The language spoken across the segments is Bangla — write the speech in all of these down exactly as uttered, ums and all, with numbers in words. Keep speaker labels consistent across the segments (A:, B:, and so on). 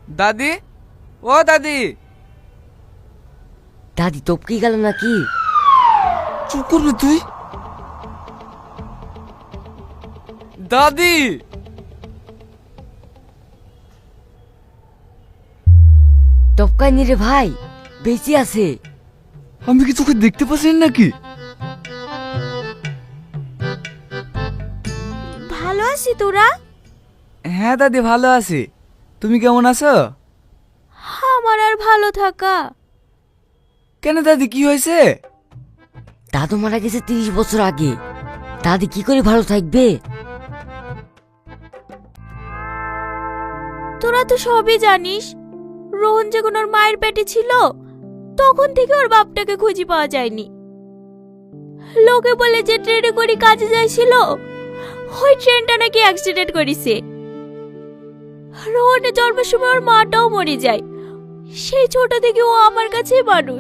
A: দাদি, ও দাদি।
B: দাদি টপকে গেল নাকি?
A: চুপ করবি তুই। দাদি,
B: টপকায়নি রে ভাই, বেঁচে আছে।
A: আমি কি তোকে দেখতে পাচ্ছি নাকি?
C: ভালো আছি তোরা?
A: হ্যাঁ দাদি, ভালো আছি। তুমি কেমন আছো?
C: আমার আর ভালো থাকা।
A: কেন দাদি, কি হয়েছে?
B: দাদু মারা গেছে তিরিশ বছর আগে, দাদি কি করে ভালো থাকবে?
C: তোরা তো সবই জানিস, রোহন যখন ওর মায়ের পেটে ছিল তখন থেকে ওর বাপটাকে খুঁজে পাওয়া যায়নি। লোকে বলে যে ট্রেনে করে কাজে যাইছিল, ওই ট্রেনটা নাকি অ্যাক্সিডেন্ট করেছে। রোহনের জন্মের সময় ওর মাটাও মরে যায়। সেই ছোট থেকে ও আমার কাছেই মানুষ।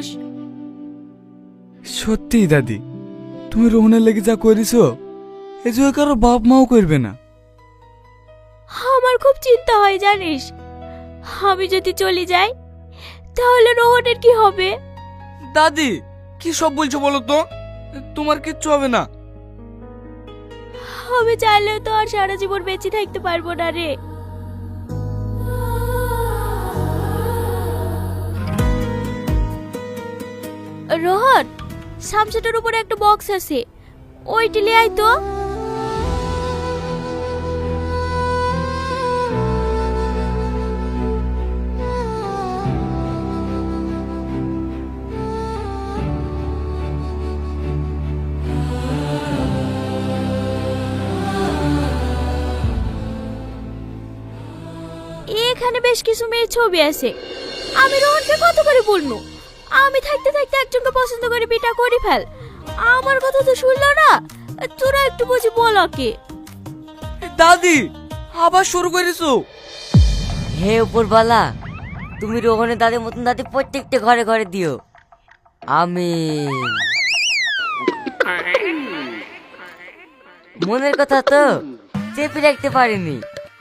A: সত্যি দাদি, তুমি রোহনের লেগে যা করেছো এ যে কারো বাপ মাও করবে না।
C: আমার খুব চিন্তা হয় জানিস, আমি যদি চলে যাই তাহলে রোহনের কি হবে?
A: দাদি, কি সব বলছো বলো তো? তোমার কিচ্ছু হবে না।
C: আমি চাইলেও তো আর সারা জীবন বেঁচে থাকতে পারবো না রে। রোহন, সামসেটের উপরে একটা বক্স আছে, ওইটি লিয়ে আয় তো। এখানে বেশ কিছু মেয়ের ছবি আছে। আমি রোহনকে কত করে বলবো, আমি থাকতে থাকতে একজনকে পছন্দ করে বিটা করে ফেল। আমার কথা তো শুনলো না। তোরা একটু বুঝি বল ওকে।
A: দাদি, আবার শুরু করেছো?
B: হে উপরবালা, তুমি রোহনের দাদির মতন দাদি প্রত্যেকটা ঘরে ঘরে দিও। আমিন। মনের কথা তো চেপে রাখতে পারিনি।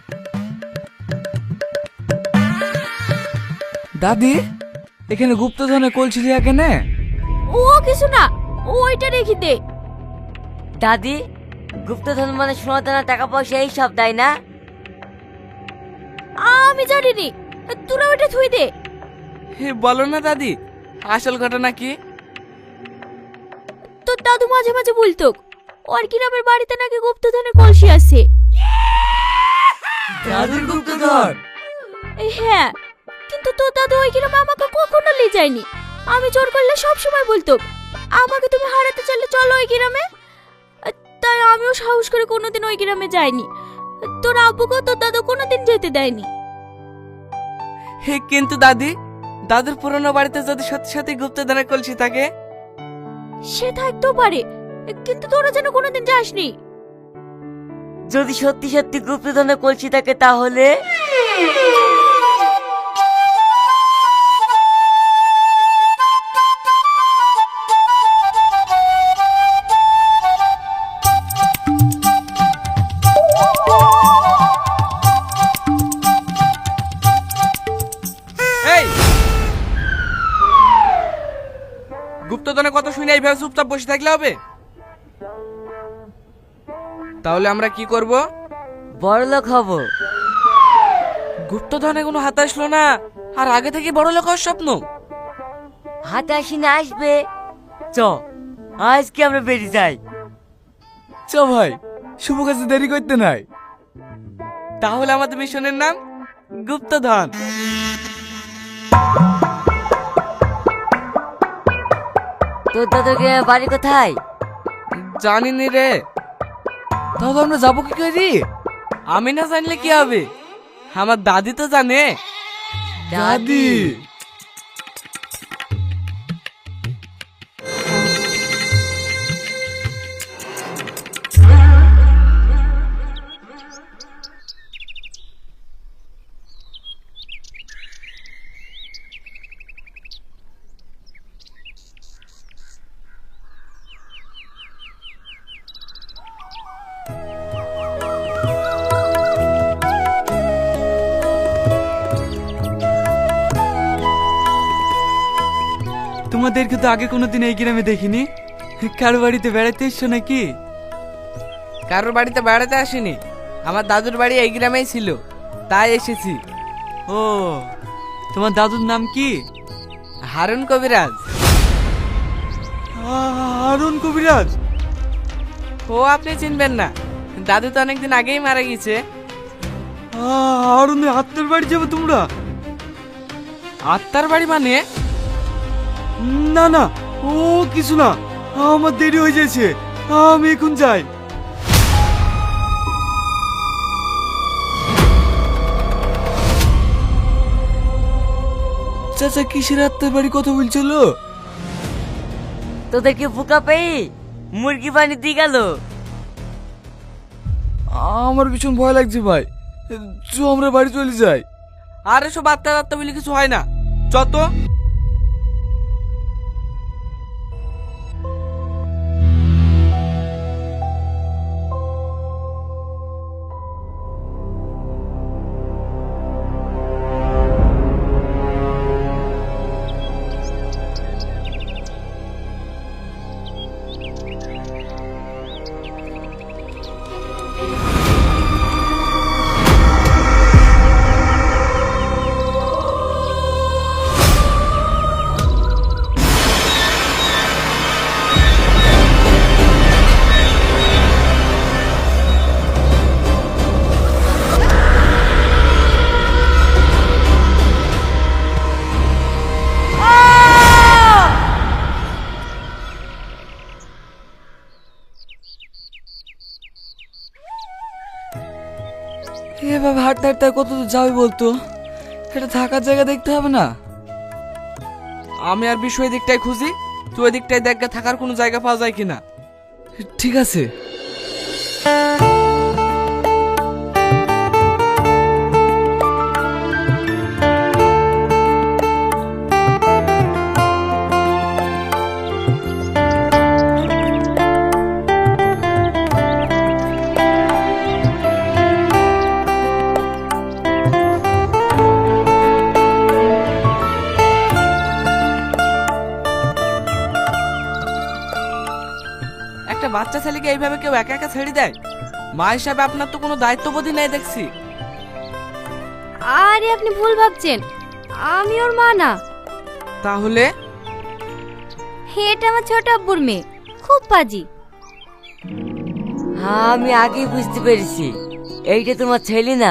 A: দাদি, এখানে গুপ্তধনে কলছিলি কেনে?
C: ও কিছু না, ওইটা রেখে দে।
B: দাদি, গুপ্তধন মানে সোনা দানা টাকা পয়সা এই সব, তাই না?
C: আমি জানিনি, তোরা ওইটা থুই দে।
A: হে বলো না দাদি, আসল ঘটনা কি?
C: তোর দাদু মাঝে মাঝে বলতো ওর গ্রামের বাড়িতে নাকি গুপ্তধনের কলসি আছে।
A: দাদির গুপ্তধন?
C: হ্যাঁ, কিন্তু তোর দাদু ওই গ্রামে আমাকে কখনো নিয়ে যায়নি। আমি জোর করলে সব সময় বলতো আমাকে তুমি হারাতে চাইলে চলো ওই গ্রামে। তাই আমিও সাহস করে কোনোদিন ওই গ্রামে যাইনি। তোর আব্বুকে তোর দাদু কোনোদিন যেতে দেয়নি।
A: হে কিন্তু দাদি, দাদুর পুরনো বাড়িতে যদি সত্যি সত্যি গুপ্তধনের কলসি থাকে?
C: সে থাকতেও পারে, কিন্তু তোরা যেন কোনোদিন যাসনি।
B: যদি সত্যি সত্যি গুপ্তধনের কলসি থাকে তাহলে
A: এই গুপ্তধনের কথা শুনে এইভাবে চুপচাপ বসে থাকলে হবে? তাহলে আমরা কি করব?
B: বড়লোক হব।
A: গুপ্তধনে কোনো হাতে আসলো না, আর আগে থেকে বড় লোক হওয়ার স্বপ্ন?
B: হাতে আসি না আসবে। চ, আজকে আমরা বেরিয়ে যাই।
A: চ ভাই, শুভ কাজে দেরি করতে নাই। তাহলে আমাদের মিশনের নাম গুপ্তধন।
B: তোর দাদুর গ্রামের বাড়ি কোথায়?
A: জানিনি রে। তাহলে আমরা যাবো কি করি? আমি না জানলে কি হবে, আমার দাদি তো জানে। দাদি,
D: তোমাদেরকে তো আগে কোনোদিন এই গ্রামে দেখিনি। কারো বাড়িতে বেড়াতে এসছো নাকি?
A: কারোর বাড়িতে বেড়াতে আসিনি, আমার দাদুর বাড়ি এই গ্রামেই ছিল, তাই এসেছি।
D: ও, তোমার দাদুর নাম কি?
A: হারুন কবিরাজ।
D: হারুন কবিরাজ?
A: ও আপনি চিনবেন না, দাদু তো অনেকদিন আগেই মারা গেছে।
D: হারুনের আত্মার বাড়ি যাবে তোমরা?
A: আত্মার বাড়ি মানে?
D: না না, ও কিছু না, আমার দেরি হয়ে যাচ্ছে, আমি এখন যাই। চাচা কিসের আত্মার বাড়ি কথা বলছিল?
B: তোদেরকে বোকা পেয়ে মুরগি পানি দিয়ে গেল।
D: আমার ভীষণ ভয় লাগছে ভাই, চ আমরা বাড়ি চলে যাই।
A: আর এসব আত্মা আত্মা বলে কিছু হয় না, যত।
D: এভাবে হাঁটতে হাঁটতে আর কত দূর যাবে বলতো? এটা থাকার জায়গা দেখতে হবে না?
A: আমি আর বিষয় দিকটাই খুঁজি, তুই ওই দিকটাই দেখ গে থাকার কোনো জায়গা পাওয়া যায় কিনা।
D: ঠিক আছে।
A: একটা বাচ্চা ছেলেকে এইভাবে কেউ একা একা ছেড়ে দেয়? মা হিসাবে আপনার তো কোনো দায়িত্ববোধই নাই দেখছি।
C: আরে আপনি ভুল ভাবছেন, আমি ওর মা না।
A: তাহলে?
C: এটা আমার ছোট আব্বুর মেয়ে, খুব পাজি।
B: হ্যাঁ, আমি আগেই বুঝতে পেরেছি এইটা তোমার ছেলে না।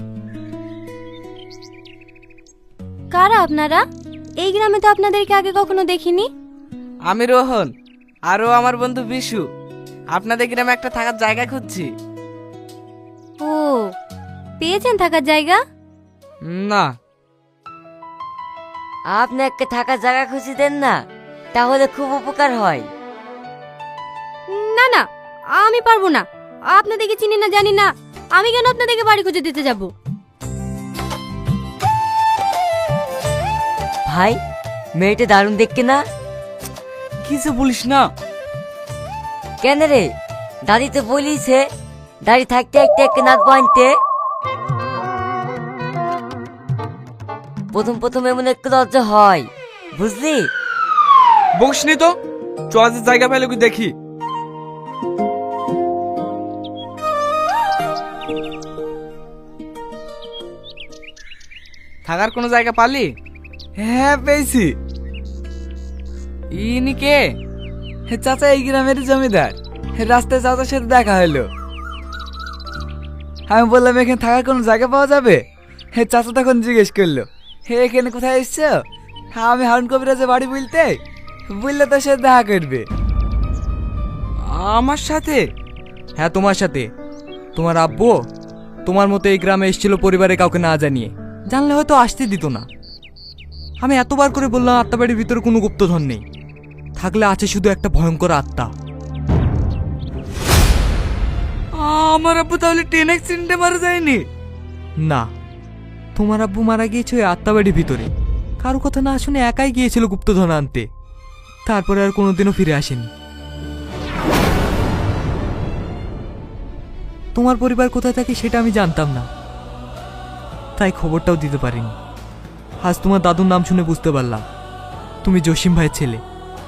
C: কারা আপনারা? এই গ্রামে তো আপনাদেরকে আগে কখনো দেখিনি।
A: আমি রোহন, আরও আমার বন্ধু বিশু। আপনাদের গ্রামে একটা থাকার জায়গা খুঁজছি।
C: ও, পেয়েছেন থাকার জায়গা?
A: না।
B: আপনি একটা থাকার জায়গা খুঁজে দেন না, তাহলে খুব উপকার হয়।
C: না না, আমি পারবো না। আপনাদেরকে চিনি না জানি না, আমি কেন আপনাদেরকে বাড়ি খুঁজে দিতে যাব?
B: ভাই, মেয়েটা দারুণ দেখতে না?
D: কিছু বলিস না।
B: কেন রে, দাদি তো বলিছে দাড়ি থাকতে একটা একটা নাক বাঁধতে। প্রথম প্রথম এমন একটু লজ্জা হয়, বুঝলি?
A: বসনি তো, চল যে জায়গা পেলে কি দেখি। থাকার কোনো জায়গা পালি?
D: হ্যাঁ পেয়েছি।
A: ইনি কে?
D: হে চাচা এই গ্রামের জমিদার। হে রাস্তায় চাচার সাথে দেখা হলো। আমি বললাম এখানে থাকার কোনো জায়গা পাওয়া যাবে? হে চাচা তখন জিজ্ঞেস করলো, হে এখানে কোথায় এসছো? হ্যাঁ আমি হারুন কবিরাজের বাড়ি বলতে, বললে তোর সাথে দেখা করবে।
A: আমার সাথে?
E: হ্যাঁ তোমার সাথে। তোমার আব্বু তোমার মতো এই গ্রামে এসেছিল পরিবারে কাউকে না জানিয়ে, জানলে হয়তো আসতে দিত না। আমি এতবার করে বললাম আত্মাবাড়ির ভিতরে কোনো গুপ্তধন নেই, থাকলে আছে শুধু একটা ভয়ঙ্কর আত্মা।
A: আমার আব্বু তাহলে ট্রেন অ্যাক্সিডেন্টে মারা যায়নি?
E: না, তোমার আব্বু মারা গিয়েছে ওই আত্মাবাড়ির ভিতরে, কারো কথা না শুনে একাই গিয়েছিল গুপ্তধন আনতে, তারপরে আর কোনোদিনও ফিরে আসেনি। তোমার পরিবার কোথায় থাকে সেটা আমি জানতাম না, তাই খবরটাও দিতে পারিনি। আজ তোমার দাদুর নাম শুনে বুঝতে পারলাম তুমি জসিম ভাইয়ের ছেলে।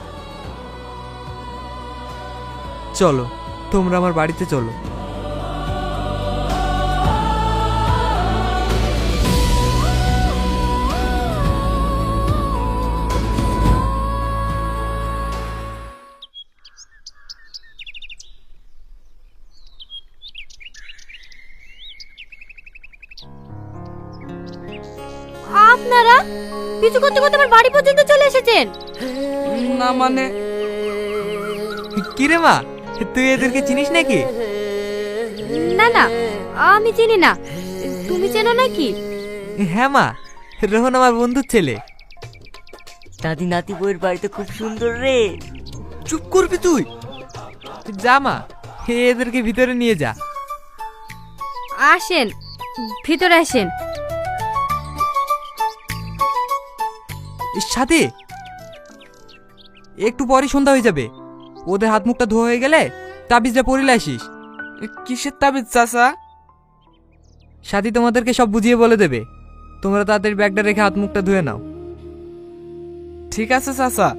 E: চলো, তোমরা আমার বাড়িতে চলো।
C: আপনারা কিছু করতে করতে আমার বাড়ি পর্যন্ত চলে এসেছেন।
A: না মানে
E: কিরে মা, তুই এদেরকে চিনিস নাকি?
C: না না, আমি চিনি না। তুমি চেনো নাকি?
E: হ্যাঁ মা, রোহন আমার বন্ধুর ছেলে।
B: দাদি নাতি বউয়ের বাড়িতে খুব সুন্দর রে।
E: চুপ করবি তুই? যা মা, এদেরকে ভিতরে নিয়ে যা।
C: আসেন, ভিতরে আসেন।
E: সাথে একটু পরই সন্ধ্যা হয়ে যাবে, ওদের হাত মুখটা ধোয়া হয়ে গেলে তাবিজটা পরিলে আসিস।
A: কিসের তাবিজ চাচা?
E: সাথী তোমাদেরকে সব বুঝিয়ে বলে দেবে। তোমরা তাড়াতাড়ি ব্যাগটা রেখে হাত মুখটা ধুয়ে নাও।
A: ঠিক আছে চাচা।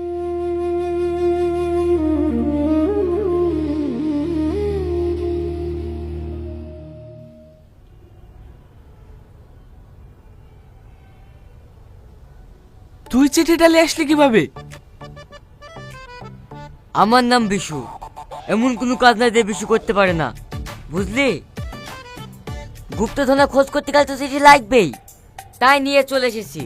A: তুই চিঠিটা নিয়ে আসলি কিভাবে?
B: আমার নাম বিশু, এমন কোনো কাজ নাই যে বিশু করতে পারে না, বুঝলি? গুপ্তধনা খোঁজ করতে গেলে তো চিঠি লাগবেই, তাই নিয়ে চলে এসেছি।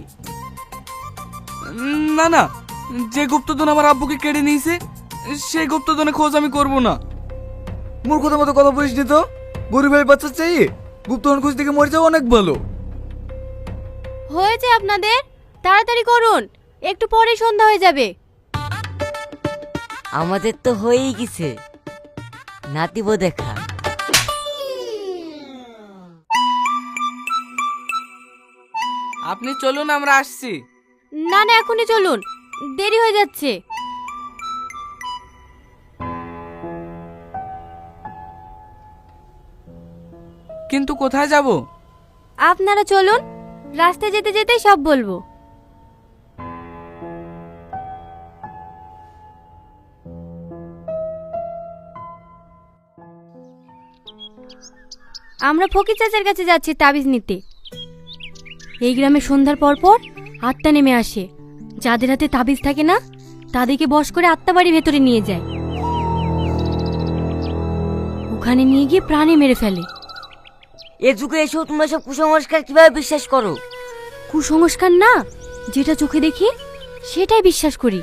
A: উম, না না, যে গুপ্তধন আমার আব্বুকে কেড়ে নিয়েছে সেই গুপ্তধনে খোঁজ আমি করব না।
D: মূর্খতার মতো কথা বলিস নি তো। গরিবের বাচ্চা চাই গুপ্তধন খুঁজ থেকে মরে যাওয়া অনেক ভালো।
C: হয়েছে আপনাদের, তাড়াতাড়ি করুন, একটু পরেই সন্ধ্যা হয়ে যাবে।
B: আমাদের তো হয়েই গেছে, নাতিব দেখা।
A: আপনি চলুন, আমরা আসছি।
C: না না, এখনই চলুন, দেরি হয়ে যাচ্ছে।
A: কিন্তু কোথায় যাব?
C: আপনারা চলুন, রাস্তায় যেতে যেতেই সব বলবো। আমরা ফকির চাচার কাছে যাচ্ছি তাবিজ নিতে। এই গ্রামে সন্ধ্যার পর পর আত্মা নেমে আসে। যাদের হাতে তাবিজ থাকে না তাদেরকে বশ করে আত্মা বাড়ির ভেতরে নিয়ে যায়, ওখানে নিয়ে গিয়ে প্রাণে মেরে ফেলে।
B: এ যুগে এসেও তোমরা সব কুসংস্কার কিভাবে বিশ্বাস করো?
C: কুসংস্কার না, যেটা চোখে দেখি সেটাই বিশ্বাস করি।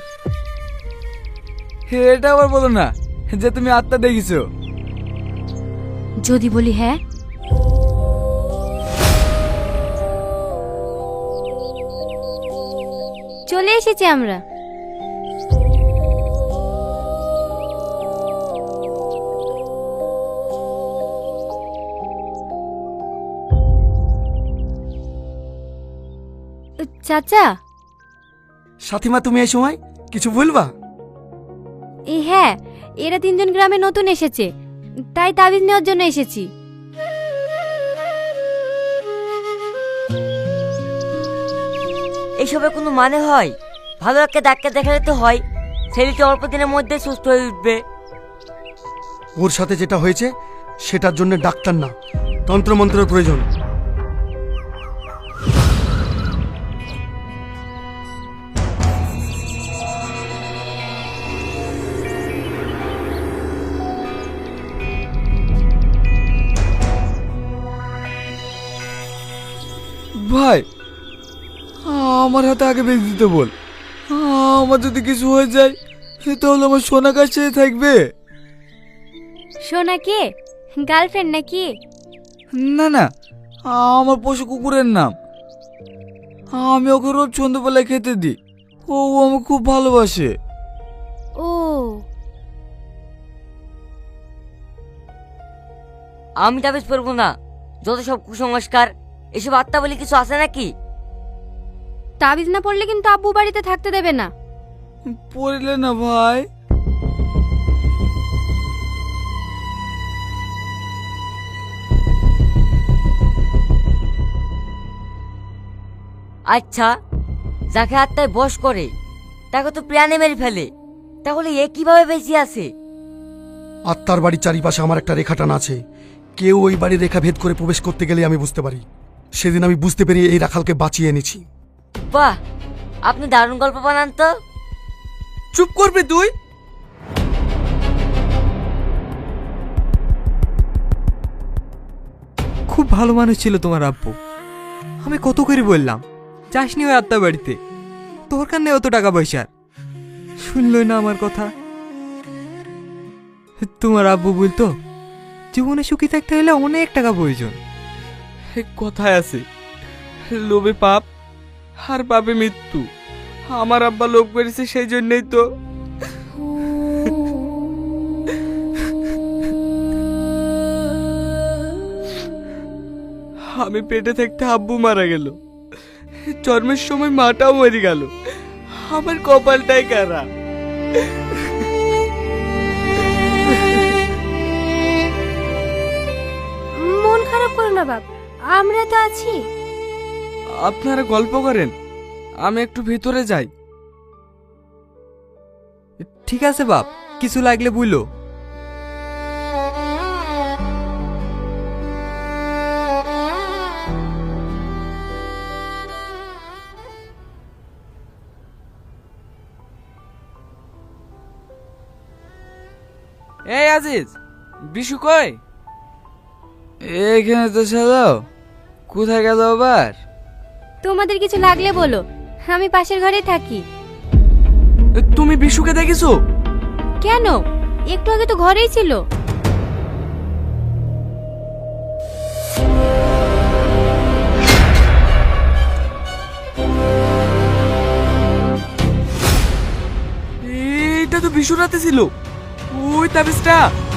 D: এটা আবার বলো না যে তুমি আত্মা দেখিছো।
C: যদি বলি হ্যাঁ, চলে এসেছি আমরা। চাচা।
F: সাথীমা, তুমি এই সময় কিছু বলবা?
C: এ হ্যাঁ, এরা তিনজন গ্রামে নতুন এসেছে, তাই তাবিজ নেওয়ার জন্য এসেছি।
B: এইসবের কোনো মানে হয়? ভালো একটা ডাক্তার দেখালে তো হয়, ছেলেটি অল্প দিনের মধ্যে সুস্থ হয়ে উঠবে।
F: ওর সাথে যেটা হয়েছে সেটার জন্য ডাক্তার না, তন্ত্রমন্ত্রের প্রয়োজন।
D: ভাই, আমার হাতে আগে বেঁধে দিতে বল। আমার যদি কিছু হয়ে যায় তাহলে আমার সোনা কাছে থাকবে।
C: সোনা কে? গার্লফ্রেন্ড নাকি?
D: না না, আমার পশু কুকুরের নাম। আমি ওকে রোজ সন্ধ্যাবেলায় খেতে দিই, ও আমাকে খুব ভালোবাসে।
C: ও,
B: আমি তাবিজ পরবো না, যত সব কুসংস্কার, এসব আত্মা বলে কিছু আছে নাকি?
C: তাবিজ না পড়লে কিন্তু আব্বু বাড়িতে থাকতে দেবে না।
D: পড়লে না ভাই।
B: আচ্ছা, যাকে আত্মায় বশ করে তাকে তো প্রাণে মেরে ফেলে, তাহলে এ কিভাবে বেঁচে আছে?
F: আত্মার বাড়ির চারিপাশে আমার একটা রেখা টানা আছে। কেউ ওই বাড়ির রেখা ভেদ করে প্রবেশ করতে গেলে আমি বুঝতে পারি। সেদিন আমি বুঝতে পেরে এই রাখালকে বাঁচিয়ে এনেছি।
B: বাহ, আপনি দারুণ গল্প বানান তো।
A: চুপ করবি তুই?
E: খুব ভালো মানুষ ছিল তোমার আব্বু। আমি কত করে বললাম যাসনি ওই আত্মা বাড়িতে, দরকার নেই অত টাকা পয়সার। শুনলই না আমার কথা। তোমার আব্বু বলতো জীবনে সুখী থাকতে হলে অনেক টাকা প্রয়োজন।
A: কথায় আছে, লোভে পাপ আর পাপে মৃত্যু। আমার আব্বা লোভ করেছে, সেই জন্যই তো। আমি পেটে থাকতে আব্বু মারা গেল, জন্মের সময় মাটাও মরে গেল। আমার কপালটাই কারা।
C: মন খারাপ করো না বাপ, আমরা তো আছি।
A: আপনারা গল্প করেন, আমি একটু ভিতরে যাই।
E: ঠিক আছে বাপ, কিছু লাগলে বুঝলো।
A: এই আজিজ, বিশু কই?
D: এখানে তো ছিল, কোথায় গেল আবার?
C: তোমাদের কিছু লাগলে বলো, আমি পাশের ঘরে থাকি।
A: তুমি বিশুকে দেখেছো?
C: কেন, একটু আগে তো ঘরেই ছিল।
A: এটা তো বিশুর রাতে ছিল। ওই তাবিজটা